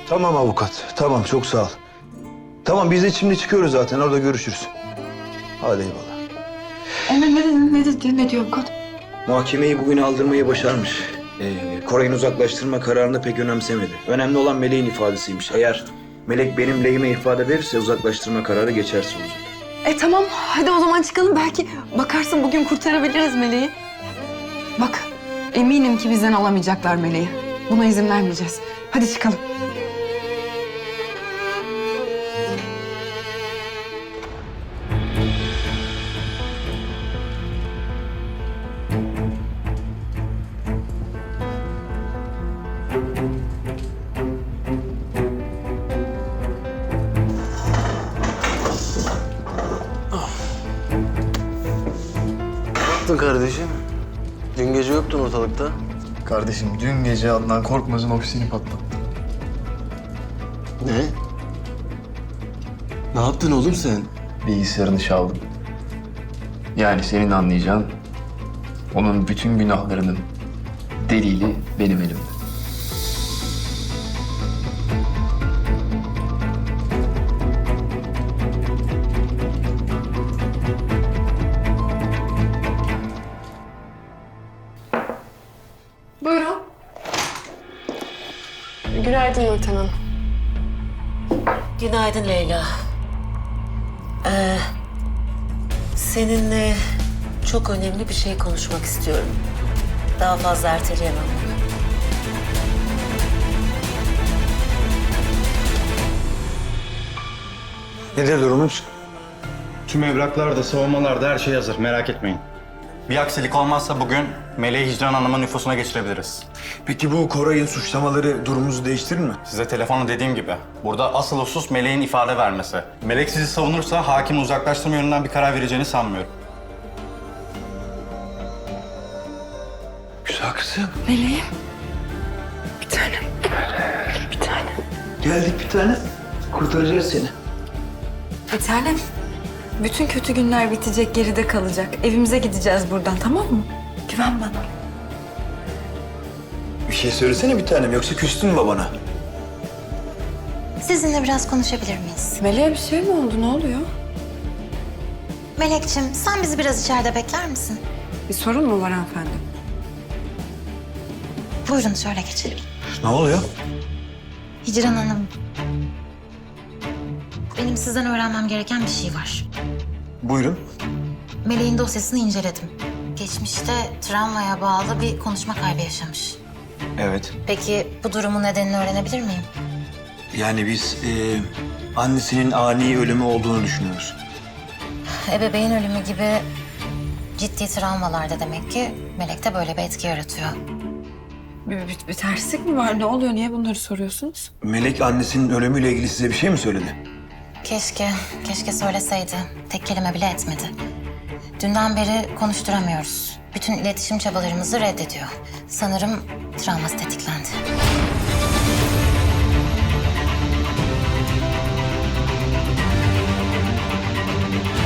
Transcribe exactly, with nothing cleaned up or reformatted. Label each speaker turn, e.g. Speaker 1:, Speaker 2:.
Speaker 1: Tamam avukat. Tamam, çok sağ ol. Tamam, biz de şimdi çıkıyoruz zaten. Orada görüşürüz. Hadi eyvallah.
Speaker 2: Emre ne dedi, ne dedi, ne diyor avukat?
Speaker 1: Muhakemeyi bugün aldırmayı başarmış. Ee, Koray'ın uzaklaştırma kararını pek önemsemedi. Önemli olan Melek'in ifadesiymiş. Eğer Melek benim lehime ifade verirse uzaklaştırma kararı geçersiz olacak.
Speaker 2: E tamam, hadi o zaman çıkalım. Belki bakarsın bugün kurtarabiliriz Meleği. Bak, eminim ki bizden alamayacaklar Meleği. Buna izin vermeyeceğiz. Hadi çıkalım.
Speaker 3: Ne yaptın kardeşim? Dün gece yoktun ortalıkta.
Speaker 4: Kardeşim dün gece Adnan Korkmaz'ın ofisini patlattı.
Speaker 3: Ne? Ne yaptın oğlum sen?
Speaker 4: Bilgisayarını çaldım. Yani senin anlayacağın onun bütün günahlarının delili benim elimde.
Speaker 2: Buyurun.
Speaker 5: Günaydın Nurten Hanım.
Speaker 6: Günaydın Leyla. Ee, seninle çok önemli bir şey konuşmak istiyorum. Daha fazla erteleyemem bunu.
Speaker 1: Nedir durumumuz?
Speaker 7: Tüm evraklar da savunmalar da her şey hazır. Merak etmeyin. Bir aksilik olmazsa bugün Meleği Hicran Hanım'ın nüfusuna geçirebiliriz.
Speaker 1: Peki bu Koray'ın suçlamaları durumumuzu değiştirir mi?
Speaker 7: Size telefonu dediğim gibi. Burada asıl husus Meleğin ifade vermesi. Melek sizi savunursa hakim uzaklaştırma yönünden bir karar vereceğini sanmıyorum.
Speaker 1: Güzel kızım.
Speaker 2: Meleğim. Bir tanem. Bir tanem.
Speaker 1: Geldik bir tane. Kurtaracağız seni.
Speaker 2: Bir tanem. Bütün kötü günler bitecek, geride kalacak. Evimize gideceğiz buradan, tamam mı? Güven bana.
Speaker 1: Bir şey söylesene bir tanem, yoksa küstün mü babana?
Speaker 8: Sizinle biraz konuşabilir miyiz?
Speaker 2: Meleğe bir şey mi oldu? Ne oluyor?
Speaker 8: Melek'ciğim, sen bizi biraz içeride bekler misin?
Speaker 2: Bir sorun mu var hanımefendi?
Speaker 8: Buyurun, şöyle geçelim.
Speaker 1: Ne oluyor?
Speaker 8: Hicran Hanım, benim sizden öğrenmem gereken bir şey var.
Speaker 1: Buyurun.
Speaker 8: Melek'in dosyasını inceledim. Geçmişte travmaya bağlı bir konuşma kaybı yaşamış.
Speaker 1: Evet.
Speaker 8: Peki bu durumun nedenini öğrenebilir miyim?
Speaker 1: Yani biz e, annesinin ani ölümü olduğunu düşünüyoruz.
Speaker 8: Ebeveyn ölümü gibi ciddi travmalarda demek ki Melek'te böyle bir etki yaratıyor.
Speaker 2: Bir, bir, bir terslik mi var? Ne oluyor? Niye bunları soruyorsunuz?
Speaker 1: Melek annesinin ölümüyle ilgili size bir şey mi söyledi?
Speaker 8: Keşke, keşke söyleseydi. Tek kelime bile etmedi. Dünden beri konuşturamıyoruz. Bütün iletişim çabalarımızı reddediyor. Sanırım travması tetiklendi.